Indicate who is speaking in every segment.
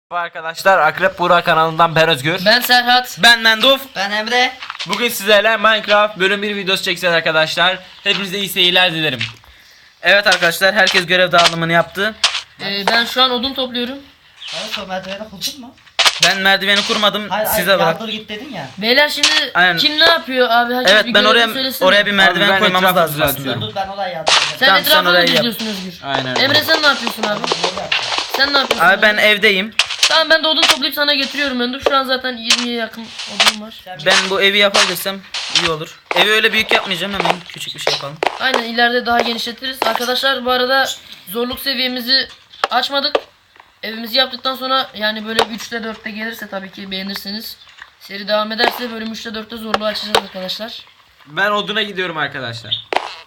Speaker 1: Merhaba arkadaşlar, Akrep Buğra kanalından ben Özgür.
Speaker 2: Ben Serhat.
Speaker 1: Ben Menduf.
Speaker 2: Ben Emre.
Speaker 1: Bugün sizlerle Minecraft bölüm 1 videosu çekeceğiz arkadaşlar. Hepinize iyi seyirler dilerim.
Speaker 3: Evet arkadaşlar, herkes görev dağılımını yaptı.
Speaker 2: Ben şu an odun topluyorum.
Speaker 4: Hayır, o merdiveni kurdun mu?
Speaker 3: Ben merdiveni kurmadım,
Speaker 4: Hayır,
Speaker 3: size
Speaker 4: yardır
Speaker 3: bırak.
Speaker 4: git dedin ya.
Speaker 2: Beyler şimdi
Speaker 3: Aynen.
Speaker 2: kim ne yapıyor abi? Herkes
Speaker 3: Evet,
Speaker 2: bir
Speaker 3: ben
Speaker 2: görevini söylesin.
Speaker 3: oraya bir merdiven
Speaker 1: Abi ben
Speaker 3: koymamız
Speaker 1: etrafı
Speaker 3: lazım
Speaker 1: düzeltiyorum.
Speaker 3: aslında.
Speaker 4: Dur, ben oraya yardım edeyim.
Speaker 2: Sen
Speaker 3: Tamam, sen
Speaker 2: etrafını
Speaker 3: orayı
Speaker 2: mı
Speaker 3: yap.
Speaker 2: izliyorsun Özgür?
Speaker 1: Aynen.
Speaker 2: Emre sen ne yapıyorsun abi? Sen ne yapıyorsun?
Speaker 3: Abi ben evdeyim.
Speaker 2: Tamam, ben de odun toplayıp sana getiriyorum Öndür. Şu an zaten 20'ye yakın odun var.
Speaker 3: Ben bu evi yapabilirsem iyi olur. Evi öyle büyük yapmayacağım, hemen küçük bir şey yapalım.
Speaker 2: Aynen, ileride daha genişletiriz. Arkadaşlar bu arada zorluk seviyemizi açmadık. Evimizi yaptıktan sonra yani böyle 3'te 4'te gelirse tabii ki beğenirseniz. Seri devam ederse bölüm 3'te 4'te zorluğu açacağız arkadaşlar.
Speaker 1: Ben oduna gidiyorum arkadaşlar.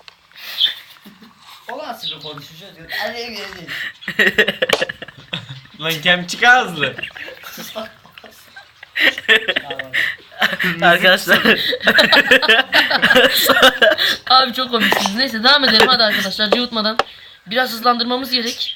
Speaker 4: O nasıl bir konuşacağız? Hadi gidelim.
Speaker 1: Lan kem çıkar hızlı.
Speaker 4: Sus bak.
Speaker 3: Arkadaşlar
Speaker 2: Abi çok komiksiniz. Neyse devam edelim hadi arkadaşlar, cıvıtmadan. Biraz hızlandırmamız gerek.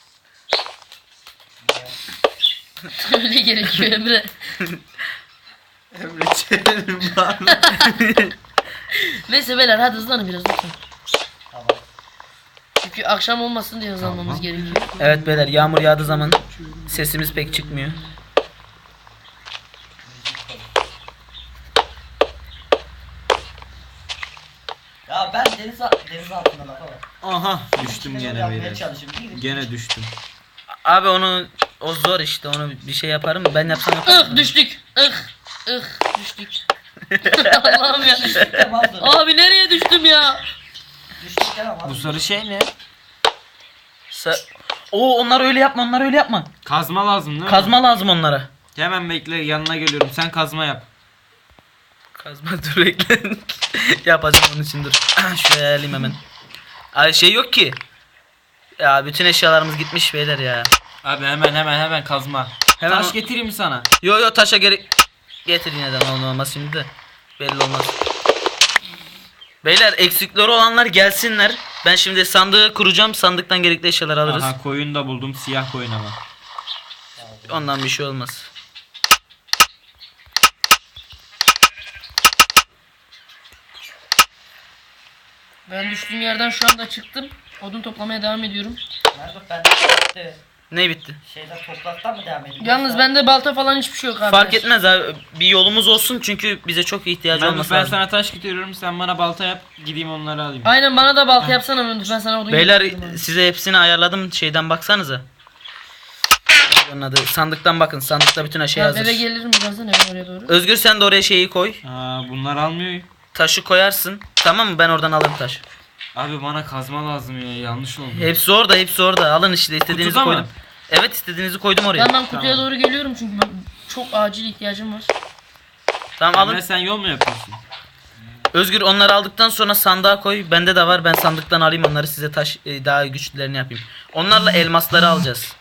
Speaker 2: Öyle gerekiyor Emre.
Speaker 1: Emre çevirin bana.
Speaker 2: Neyse beyler hadi hızlanın biraz lütfen.
Speaker 4: Tamam.
Speaker 2: Çünkü akşam olmasın diye hızlanmamız gerekiyor.
Speaker 3: evet beyler, yağmur yağdığı zaman sesimiz pek çıkmıyor.
Speaker 4: Ya ben deniz altında lafa var.
Speaker 1: Aha düştüm gene
Speaker 4: Yapmaya
Speaker 1: beyler.
Speaker 4: çalışıyorum.
Speaker 1: Gene düştüm.
Speaker 3: Abi o zor işte, onu bir şey yaparım, ben yapsam yaparım.
Speaker 2: Düştük. Düştük. Allah'ım ya.
Speaker 4: Tamam dur.
Speaker 2: Abi nereye düştüm ya?
Speaker 4: Düştük tamam.
Speaker 1: Bu sarı şey ne?
Speaker 3: Onlar öyle yapma, onlar öyle yapma.
Speaker 1: Kazma lazım değil mi?
Speaker 3: Kazma lazım onlara.
Speaker 1: Hemen bekle, yanına geliyorum. Sen kazma yap.
Speaker 3: Kazma dur bekle. Yapacağım onun için, dur. Şuraya alayım hemen. Ay şey yok ki. Ya bütün eşyalarımız gitmiş beyler ya.
Speaker 1: Abi hemen kazma.
Speaker 3: Hemen
Speaker 1: Taş getireyim mi sana?
Speaker 3: Yo taşa gerek getir, yine de olmaz şimdi de. Belli olmaz. Beyler eksikleri olanlar gelsinler. Ben şimdi sandığı kuracağım. Sandıktan gerekli eşyalar alırız.
Speaker 1: Aha koyun da buldum, siyah koyun ama.
Speaker 3: Ondan bir şey olmaz.
Speaker 2: Ben düştüğüm yerden şu anda çıktım. Odun toplamaya devam ediyorum.
Speaker 4: Nerede ben de
Speaker 3: Ne bitti?
Speaker 4: şeyden topraktan mı devam edeyim?
Speaker 2: Yalnız bende balta falan hiçbir şey yok abi.
Speaker 3: Fark etmez abi. Bir yolumuz olsun çünkü bize çok ihtiyacı
Speaker 1: Ben
Speaker 3: olması lazım.
Speaker 1: sana taş getiriyorum, sen bana balta yap, gideyim onları alayım.
Speaker 2: Aynen, bana da balta yapsana Öndür. Ben sana odun
Speaker 3: Beyler
Speaker 2: getiririm abi.
Speaker 3: size hepsini ayarladım. Şeyden baksanıza. Onun adı. Sandıktan bakın. Sandıkta bütün şey
Speaker 2: Tamam,
Speaker 3: hazır.
Speaker 2: eve gelirim birazdan, eve oraya doğru.
Speaker 3: Özgür sen de oraya şeyi koy.
Speaker 1: Aa, bunlar almıyor.
Speaker 3: Taşı koyarsın. Tamam mı? Ben oradan alırım taş.
Speaker 1: Abi bana kazma lazım ya, yanlış oldu.
Speaker 3: Hepsi orada, hepsi orada. Alın işte, istediğinizi
Speaker 1: Kutuda mı?
Speaker 3: koydum. Evet, istediğinizi koydum oraya.
Speaker 2: Ben kutuya doğru geliyorum çünkü çok acil ihtiyacım var.
Speaker 3: Tamam alın.
Speaker 1: Emre sen yol mu yapıyorsun?
Speaker 3: Özgür onları aldıktan sonra sandığa koy. Bende de var. Ben sandıktan alayım onları, size taş daha güçlülerini yapayım. Onlarla elmasları alacağız.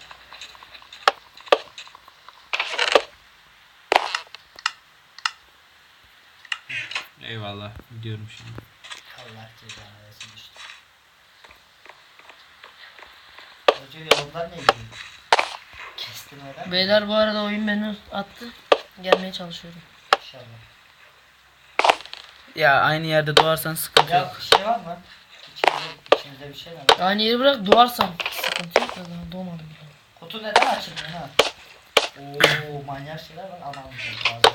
Speaker 1: Eyvallah, gidiyorum şimdi.
Speaker 4: Allah cezanı versin işte. Hoca yolundan ne gidiyor? Kestin oradan.
Speaker 2: Beyler bu arada oyun beni attı. Gelmeye çalışıyorum.
Speaker 4: İnşallah.
Speaker 3: Ya aynı yerde doğarsan sıkıntı
Speaker 4: Ya
Speaker 3: yok.
Speaker 4: bir şey var mı? İçimizde bir şey var.
Speaker 2: Aynı yeri bırak, doğarsam sıkıntı yok da daha doğmadım.
Speaker 4: Kutu neden açılmıyor ha? Oo, manyak şeyler var. Anam.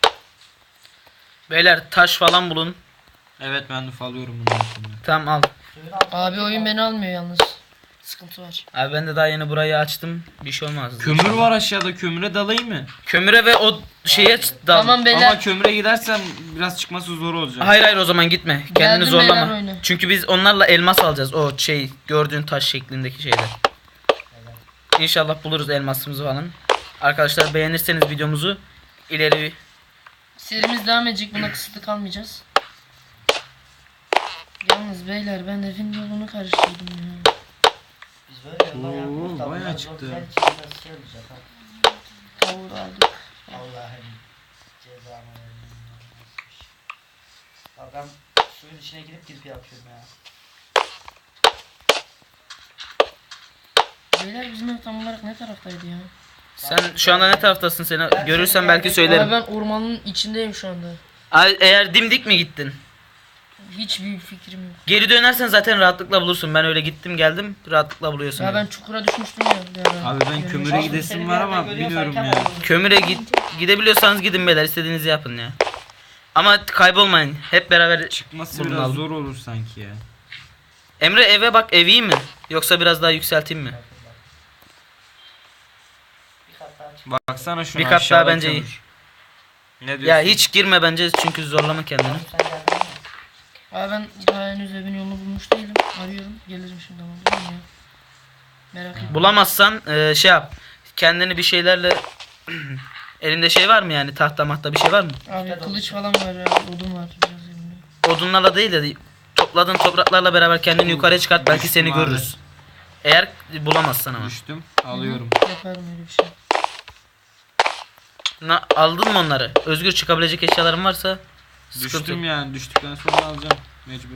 Speaker 3: Beyler taş falan bulun.
Speaker 1: Evet, ben de alıyorum bundan sonra.
Speaker 3: Tamam al.
Speaker 2: Abi oyun beni almıyor yalnız. Sıkıntı var.
Speaker 3: Abi ben de daha yeni burayı açtım. Bir şey olmaz.
Speaker 1: Kömür var aşağıda, kömüre dalayım mı?
Speaker 3: Kömüre ve o şeye dal.
Speaker 2: Tamam beyler.
Speaker 1: Ama kömüre gidersem biraz çıkması zor olacak.
Speaker 3: Hayır o zaman gitme. Kendini
Speaker 2: Geldim beyler
Speaker 3: zorlama.
Speaker 2: oyuna.
Speaker 3: Çünkü biz onlarla elmas alacağız. O şey gördüğün taş şeklindeki şeyler. İnşallah buluruz elmasımızı falan. Arkadaşlar beğenirseniz videomuzu ileri
Speaker 2: Serimiz devam edecek, buna kısıtlı kalmayacağız. Yalnız beyler ben evin yolunu karıştırdım ya.
Speaker 4: Biz böyle yoldan yapıyoruz da
Speaker 1: bayağı
Speaker 4: bunlar
Speaker 1: çıktı.
Speaker 4: zor, nasıl şey olacak ha?
Speaker 2: Kavur aldık.
Speaker 4: Allah'ım cezanı versin. Bak ben suyun içine girip yapıyorum ya.
Speaker 2: Beyler bizim ev tam olarak ne taraftaydı ya?
Speaker 3: Sen şu anda ne taraftasın seni? Görürsen belki
Speaker 2: Abi
Speaker 3: söylerim.
Speaker 2: ben ormanın içindeyim şu anda.
Speaker 3: Eğer dimdik mi gittin?
Speaker 2: Hiçbir fikrim yok.
Speaker 3: Geri dönersen zaten rahatlıkla bulursun. Ben öyle gittim geldim rahatlıkla buluyorsun.
Speaker 2: Ya ben çukura düşmüştüm ya. bir ara.
Speaker 1: Abi ben
Speaker 2: Görmüş-
Speaker 1: kömüre gidesim var ama biliyorum ya.
Speaker 3: Kömüre gidebiliyorsanız gidin beyler, istediğinizi yapın ya. Ama kaybolmayın. Hep beraber
Speaker 1: Çıkması
Speaker 3: Bulun
Speaker 1: biraz
Speaker 3: abi.
Speaker 1: zor olur sanki ya.
Speaker 3: Emre eve bak, ev iyi mi? Yoksa biraz daha yükselteyim mi?
Speaker 4: Bir kat daha çık.
Speaker 1: Baksana şuna
Speaker 3: Bir kat daha
Speaker 1: aşağıda
Speaker 3: bence iyi.
Speaker 1: kömür. Ne diyorsun?
Speaker 3: Ya hiç girme bence çünkü zorlama kendini.
Speaker 4: Sen geldin mi?
Speaker 2: Abi ben daha henüz evin yolunu bulmuş değilim. Arıyorum. Gelirim şimdi ama değil mi ya? Merak etme.
Speaker 3: Bulamazsan şey yap. Kendini bir şeylerle elinde şey var mı yani, tahta mahta bir şey var mı?
Speaker 2: Abi kılıç falan var ya. Odun var biraz elimde.
Speaker 3: Odunlarla değil de topladığın topraklarla beraber kendini yukarıya çıkart, belki
Speaker 1: Düştüm
Speaker 3: seni
Speaker 1: abi.
Speaker 3: görürüz. Eğer bulamazsan ama.
Speaker 1: Düştüm. Alıyorum.
Speaker 2: Yaparım öyle bir şey.
Speaker 3: Aldın mı onları? Özgür, çıkabilecek eşyaların varsa sıkıntı
Speaker 1: Düştüm
Speaker 3: yok.
Speaker 1: yani. Düştükten sonra alacağım. Mecbur.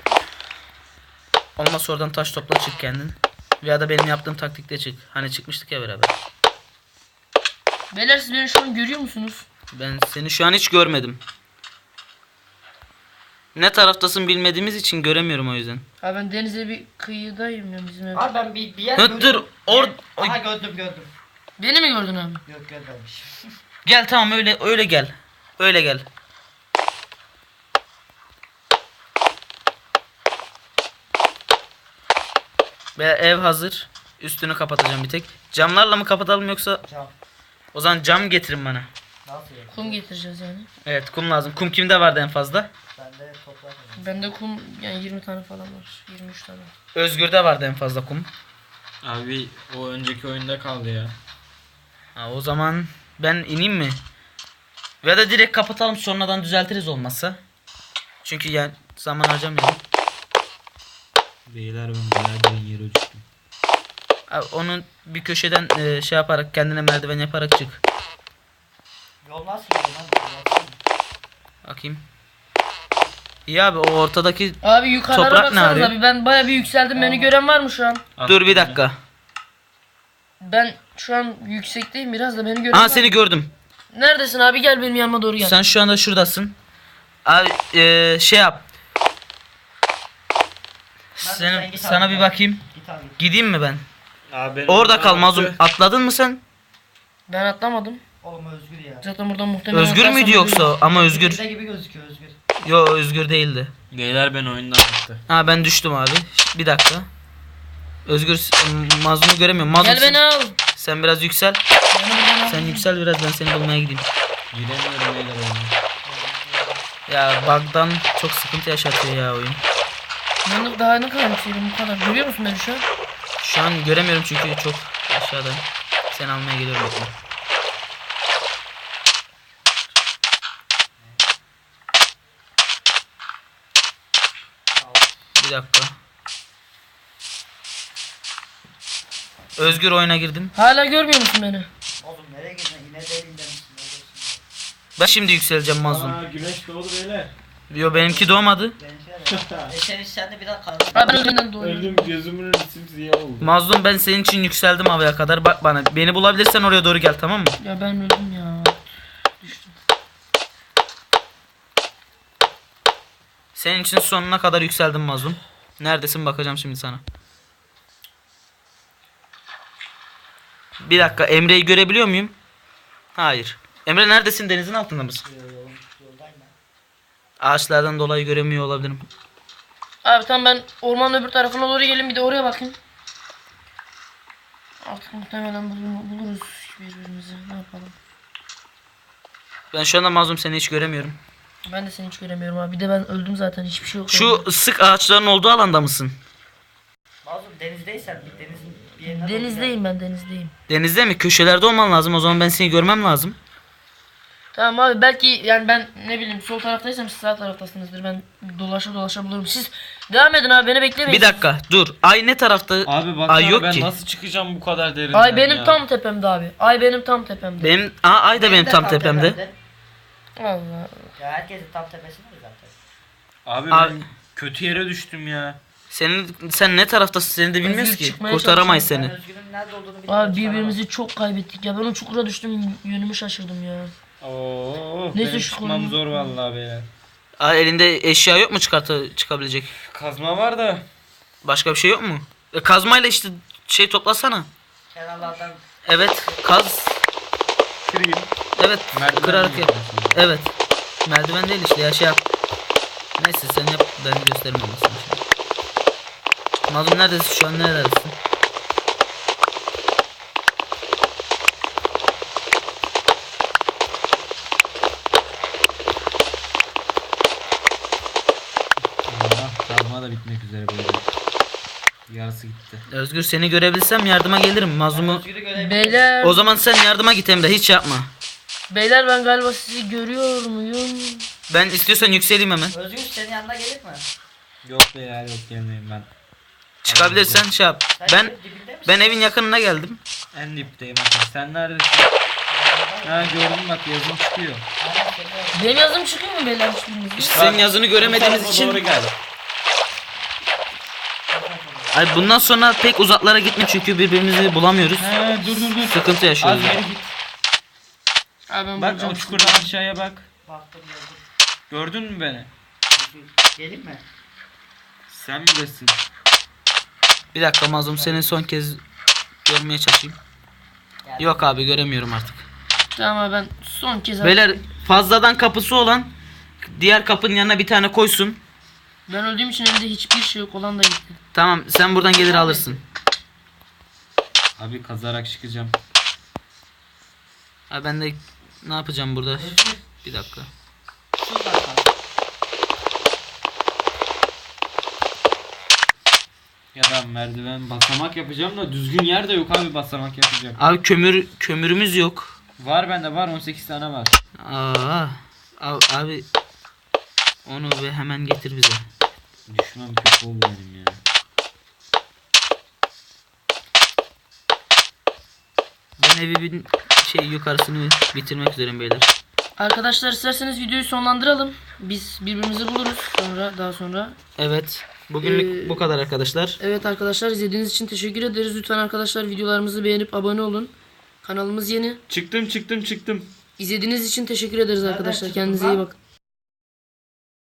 Speaker 3: Olmazsa oradan taş topla çık kendin. Veya da benim yaptığım taktikle çık. Hani çıkmıştık ya beraber.
Speaker 2: Beyler siz beni şu an görüyor musunuz?
Speaker 3: Ben seni şu an hiç görmedim. Ne taraftasın bilmediğimiz için göremiyorum o yüzden.
Speaker 2: Abi ben denize bir kıyıdayım ya bizim ev.
Speaker 4: Abi ben bir yer
Speaker 3: Hı, dur,
Speaker 4: Aha gördüm.
Speaker 2: Beni mi gördün abi?
Speaker 4: Yok görmemiş.
Speaker 3: Gel tamam, öyle gel. Öyle gel. Ve ev hazır. Üstünü kapatacağım bir tek. Camlarla mı kapatalım yoksa
Speaker 4: Cam.
Speaker 3: o zaman cam getirin bana.
Speaker 4: Nasıl ya?
Speaker 2: Kum getireceğiz yani.
Speaker 3: Evet, kum lazım. Kum kimde vardı en fazla?
Speaker 4: Bende toprak var.
Speaker 2: Bende kum yani 20 tane falan var. 23 tane.
Speaker 3: Özgür'de vardı en fazla kum.
Speaker 1: Abi o önceki oyunda kaldı ya.
Speaker 3: Ha, o zaman ben ineyim mi? Ya da direkt kapatalım, sonradan düzeltiriz olmazsa. Çünkü yani zaman harcamayalım.
Speaker 1: Beyler ben bayağı derin yere düştüm.
Speaker 3: Abi, onu bir köşeden şey yaparak, kendine merdiven yaparak çık.
Speaker 4: Yol nasıl gidiyor lan? Baksana.
Speaker 3: Bakayım. İyi abi, o ortadaki...
Speaker 2: Abi yukarılara
Speaker 3: Toprak ne
Speaker 2: baksanız
Speaker 3: arıyor?
Speaker 2: abi ben baya bir yükseldim. Beni gören var mı şu an?
Speaker 3: Dur bir dakika.
Speaker 2: Ben şu an yüksekteyim biraz da beni gören
Speaker 3: Aa,
Speaker 2: var mı?
Speaker 3: seni gördüm.
Speaker 2: Neredesin abi, gel benim yanıma doğru gel.
Speaker 3: Sen şu anda şuradasın. Abi şey yap.
Speaker 4: sen git
Speaker 3: Sana
Speaker 4: abi.
Speaker 3: bir bakayım.
Speaker 4: Git abi.
Speaker 3: Gideyim mi ben?
Speaker 1: Abi
Speaker 3: Orada kal Mazlum. Atladın mı sen?
Speaker 2: Ben atlamadım.
Speaker 4: Oğlum Özgür ya.
Speaker 2: Zaten buradan muhtemelen
Speaker 3: Özgür
Speaker 2: atlarsam
Speaker 3: müydü yoksa?
Speaker 2: ölürüm.
Speaker 3: Ama Özgür.
Speaker 4: Bizde gibi gözüküyor Özgür.
Speaker 3: Yo, Özgür değildi.
Speaker 1: Beyler ben oyundan attı.
Speaker 3: Ha, ben düştüm abi. Bir dakika. Özgür, Mazlum'u göremiyorum. Mazlum,
Speaker 2: Gel beni al.
Speaker 3: sen biraz yüksel.
Speaker 2: Beni buradan al.
Speaker 3: Sen yüksel biraz, ben seni bulmaya gideyim.
Speaker 1: Giremiyorum beyler oyuna.
Speaker 3: Ya bug'dan çok sıkıntı yaşatıyor ya oyun.
Speaker 2: Ben daha ne kadar yükseğim bu kadar. Görüyor musun beni şu an?
Speaker 3: Şu an göremiyorum çünkü çok aşağıda. Seni almaya geliyorum. Bekle. Bir dakika. Özgür, oyuna girdim.
Speaker 2: Hala görmüyor musun beni?
Speaker 4: Oğlum nereye gidiyorsun? Yine derinden misin? Ne diyorsun
Speaker 3: Ben şimdi yükseleceğim Mazlum.
Speaker 1: Güneş doğdu beyler.
Speaker 3: Yo, benimki doğmadı.
Speaker 4: ya? Sen de biraz kalsın.
Speaker 2: Abi ben öldüğümden doğuyorum.
Speaker 1: Gözümün simsiyah oldu.
Speaker 3: Mazlum, ben senin için yükseldim havaya kadar. Bak bana. Beni bulabilirsen oraya doğru gel, tamam mı?
Speaker 2: Ya ben öldüm ya. Düştüm.
Speaker 3: Senin için sonuna kadar yükseldim Mazlum. Neredesin, bakacağım şimdi sana. Bir dakika, Emre'yi görebiliyor muyum? Hayır. Emre neredesin? Denizin altında mısın?
Speaker 4: Yoldayım ben.
Speaker 3: Ağaçlardan dolayı göremiyor olabilirim.
Speaker 2: Abi tamam, ben ormanın öbür tarafına doğru gelin, bir de oraya bakayım. Artık muhtemelen buluruz birbirimizi. Ne yapalım?
Speaker 3: Ben şu anda Mazlum, seni hiç göremiyorum.
Speaker 2: Ben de seni hiç göremiyorum abi. Bir de ben öldüm zaten, hiçbir şey yok.
Speaker 3: Şu sık ağaçların olduğu alanda mısın?
Speaker 4: Mazlum denizdeysen bir denizin bir yerine doğru
Speaker 2: Denizdeyim, ben denizdeyim.
Speaker 3: Denizde mi? Köşelerde olman lazım. O zaman ben seni görmem lazım.
Speaker 2: Tamam abi, belki yani ben ne bileyim sol taraftaysam siz sağ taraftasınızdır. Ben dolaşa dolaşa bulurum. Siz devam edin abi, beni beklemeyin.
Speaker 3: Bir dakika dur. Ay ne tarafta?
Speaker 1: Abi bak
Speaker 3: Ay yok
Speaker 1: ben
Speaker 3: ki.
Speaker 1: nasıl çıkacağım bu kadar derinden
Speaker 2: Ay benim
Speaker 1: ya?
Speaker 2: tam tepemde abi. Ay benim tam tepemde.
Speaker 3: Benim ay da benim tam tepemde.
Speaker 2: Allah.
Speaker 4: Ya herkesin tam tepesinde zaten.
Speaker 1: Abi
Speaker 3: Abi-
Speaker 1: ben kötü yere düştüm ya.
Speaker 3: Sen ne taraftasın? Seni de bilmiyoruz
Speaker 2: Özgür
Speaker 3: ki.
Speaker 2: çıkmaya
Speaker 3: Kurtaramayız
Speaker 4: Ben
Speaker 3: seni.
Speaker 4: Özgür'ün nerede olduğunu bilmiyorum.
Speaker 2: Abi birbirimizi çok kaybettik ya. Ben o çukura düştüm, yönümü şaşırdım ya.
Speaker 1: Oo,
Speaker 2: Neyse
Speaker 1: benim
Speaker 2: şu
Speaker 1: çıkmam
Speaker 2: konu-
Speaker 1: zor vallahi beyler.
Speaker 3: Aa, elinde eşya yok mu çıkabilecek?
Speaker 1: Kazma var da.
Speaker 3: Başka bir şey yok mu? Kazmayla işte şey toplasana.
Speaker 4: Kenarlardan
Speaker 3: Evet, kaz.
Speaker 1: Kırayım.
Speaker 3: Evet,
Speaker 1: Merdiven
Speaker 3: kırarak
Speaker 1: mi
Speaker 3: yap.
Speaker 1: yapıyorsun?
Speaker 3: Evet. Merdiven değil işte ya, şey yap. Neyse sen yap, ben göstermem sana şimdi. Mazlum neredesin şu an, neredesin?
Speaker 1: Allah, kazma da bitmek üzere böyle. Yarısı gitti.
Speaker 3: Özgür, seni görebilsem yardıma gelirim. Mazlumu.
Speaker 4: Özgür'ü görebilirim.
Speaker 2: Beyler,
Speaker 3: O zaman sen yardıma git Emre, hiç yapma.
Speaker 2: beyler ben galiba sizi görüyor muyum?
Speaker 3: Ben istiyorsan yükseleyim hemen.
Speaker 4: Özgür senin yanına gelir mi?
Speaker 1: Yok beyler, yok gelmeyeyim ben.
Speaker 3: Çıkabilirsen şey yap.
Speaker 4: Sen
Speaker 3: Ben
Speaker 4: dibinde misin?
Speaker 3: ben evin yakınına geldim.
Speaker 1: En dipteyim hatta. Sen neredesin? Ha, gördüm bak, yazım çıkıyor.
Speaker 4: Aynen, senin yanına.
Speaker 2: Benim yazım çıkıyor mu beyler hiçbirinizin?
Speaker 3: İşte senin yazını göremediğimiz
Speaker 1: Doğru
Speaker 3: için.
Speaker 1: gel.
Speaker 3: Ay, bundan sonra pek uzaklara gitme çünkü birbirimizi bulamıyoruz.
Speaker 1: Ha, dur.
Speaker 3: Sıkıntı
Speaker 1: Az
Speaker 3: yaşıyoruz.
Speaker 1: geri git.
Speaker 2: Abi ben
Speaker 1: Bak
Speaker 2: bulacağım
Speaker 1: o
Speaker 2: sizi.
Speaker 1: çukurdan aşağıya bak.
Speaker 4: Baktım yazdım.
Speaker 1: Gördün mü beni?
Speaker 4: Gelin mi?
Speaker 1: Sen bilirsin.
Speaker 3: Bir dakika Mazlum, seni son kez görmeye çalışayım.
Speaker 4: Geldim.
Speaker 3: Yok abi, göremiyorum artık.
Speaker 2: Tamam abi ben son kez
Speaker 3: Beyler, fazladan kapısı olan diğer kapının yanına bir tane koysun.
Speaker 2: ben öldüğüm için evde hiçbir şey yok, olan da gitti.
Speaker 3: Tamam, sen buradan gelir alırsın.
Speaker 1: Abi kazarak çıkacağım.
Speaker 3: Abi ben de ne yapacağım burada?
Speaker 4: Özgür
Speaker 3: Bir dakika.
Speaker 4: sus bakalım.
Speaker 1: Ya da merdiven basamak yapacağım da düzgün yer de yok abi, basamak yapacağım.
Speaker 3: Abi kömürümüz yok.
Speaker 1: Var bende, var 18 tane var.
Speaker 3: Abi onu ve hemen getir bize.
Speaker 1: Düşmem kötü oldu benim ya.
Speaker 3: Ben evin yukarısını bitirmek üzereyim beyler.
Speaker 2: Arkadaşlar isterseniz videoyu sonlandıralım. Biz birbirimizi buluruz daha sonra.
Speaker 3: Evet. Bugünlük bu kadar arkadaşlar.
Speaker 2: Evet arkadaşlar, izlediğiniz için teşekkür ederiz. Lütfen arkadaşlar videolarımızı beğenip abone olun. Kanalımız yeni.
Speaker 1: Çıktım.
Speaker 2: İzlediğiniz için teşekkür ederiz arkadaşlar.
Speaker 4: çıktın
Speaker 2: Kendinize
Speaker 4: lan?
Speaker 2: iyi bakın.